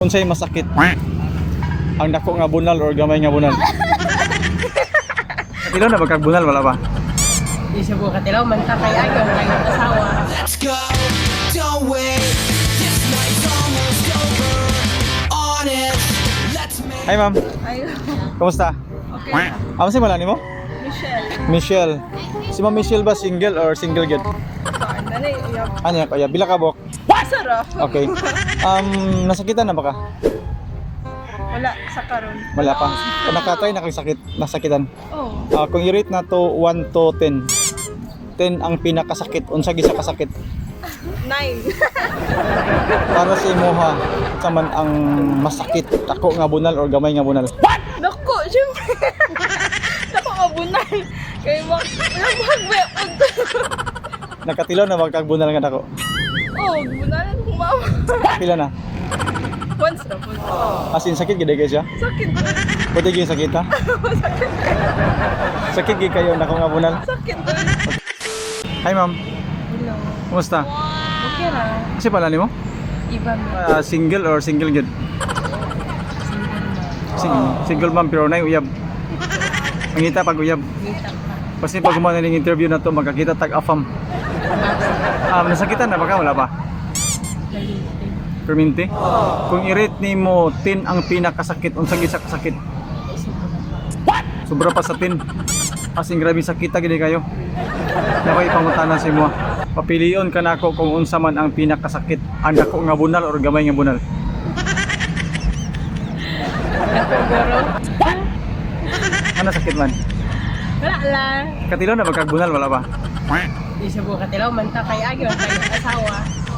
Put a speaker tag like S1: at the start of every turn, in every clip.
S1: Unsay masakit? Ang dako nga bunal or gamay nga bunal? Katilaw na ba bunal wala ba?
S2: Di siya buka tilaw man ta kay ayaw kay asawa.
S3: Let's go, don't wait. This night's almost over. On it, let's make.
S1: Hi ma'am,
S2: Ay,
S1: kumusta?
S2: okay.
S1: Ano si malani mo?
S2: Michelle.
S1: Michelle. Si Ma'am Michelle ba single or single gid?
S2: Saan na rin? Uyab.
S1: Ano yan kaya? Bila ka bok?
S2: Sarap.
S1: Okay. Nasakitan na ba ka?
S2: Wala sa karon.
S1: Wala pa. Kung nakatry na kang sakit, nasakitan.
S2: Oh.
S1: Kung i-rate na to 1 to 10. 10 ang pinakasakit. Unsa gisa kasakit?
S2: 9.
S1: Para sa imuha, saman ang masakit. Dako nga bunal or gamay nga bunal?
S2: Dako, syempre. Dako mabunay. Kay mak nagmagbe.
S1: Nakatilaw na ba kag bunal nga dako?
S2: Oh, bunalan ko mama.
S1: Pila na?
S2: Once na po.
S1: As in sakit gid guys ya?
S2: Sakit.
S1: Pwede gyud sakit ha? Sakit gid kayo nako nga bunal.
S2: Sakit.
S1: Hi ma'am,
S2: Hello.
S1: kumusta?
S2: Okay ra.
S1: Kasi pala nimo?
S2: Iba mo.
S1: Single or single gid? Single ma'am pero nay uyab. Mangita pag uyab.
S2: Kita pa.
S1: Kasi pag gumawa ng interview na to magkakita tag afam. Nasakitan na ba ka? Wala pa? Perminti? Kung i-rate nimo 10 ang pinakasakit, unsa gisa kasakit? Sobra pa sa 10. As in grabe sakita gid kayo. Nakoy pangutana sa imo. Papilion ka nako kung unsa man ang pinakasakit, ang dako nga bunal or gamay nga bunal.
S2: Ako goro.
S1: Ano sakit man?
S2: Wala lang.
S1: Katilaw na ba kag bunal wala ba?
S2: Di siya buka tilaw man ta kay ayaw kay asawa.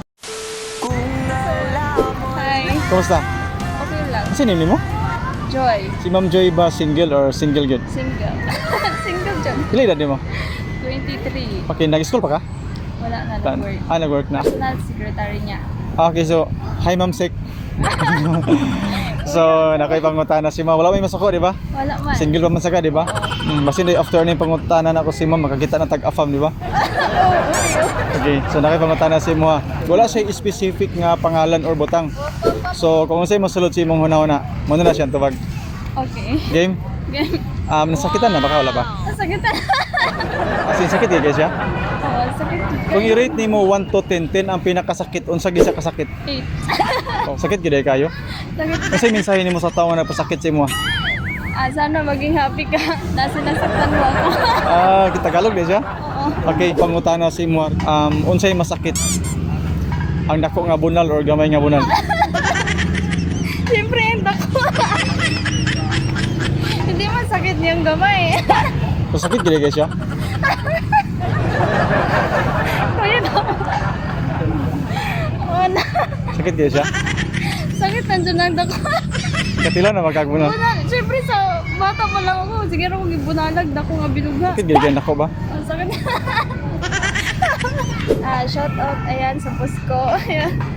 S2: Hi.
S1: Kumusta?
S2: Okay lang.
S1: Kasi name mo?
S2: Joy.
S1: Si Ma'am Joy ba single or single gid?
S2: Single. Single dyan.
S1: Pila edad nimo?
S2: 23.
S1: Okay, nag-school pa ka?
S2: Wala na
S1: Tan-
S2: nag-work.
S1: Nag-work na.
S2: Personal secretary niya.
S1: Okay, so, hi Ma'am Sek. So, nakoy pangutana si Ma'am. Wala may masako, di ba?
S2: Wala man.
S1: Single pa man saka, di ba? Basin day after ning pangutana na ako si Ma'am, makakita na tag-afam, di ba? Okay, so nakoy pangutana si mo ha. Wala siya specific nga pangalan or butang. So, kung unsay mosulod si imong hunahuna, mo na siya tubag.
S2: Okay.
S1: Game?
S2: Game.
S1: Nasakitan na baka wala ba?
S2: Sakit.
S1: As in, sakit guys ya?
S2: Oh, sakit.
S1: Kung i-rate nimo 1 to 10, 10 ang pinakasakit, unsa gisa kasakit?
S2: 8.
S1: Oh, sakit gid kayo?
S2: Sakit.
S1: Kasi mensahe nimo sa tao nga napasakit sa imo.
S2: Sana maging happy ka. Nasa nasaktan mo ako.
S1: Kita Tagalog di siya?
S2: Oo.
S1: Okay, pangutana si mo. Unsay masakit? Ang dako nga bunal or gamay nga bunal?
S2: Siyempre, yung dako. Hindi man sakit niyang gamay.
S1: So, sakit gid guys siya?
S2: Kaya na. Oo na.
S1: Sakit gid siya?
S2: Sakit nandiyan ang dako.
S1: Katila na magkag bunal.
S2: Siyempre sa bata pa lang ako. Sige rin kung ibunalag, dako nga binuga.
S1: Sakit gid kay nako ba?
S2: Ang sakit. Shout out, ayan, sa post ko. Ayan.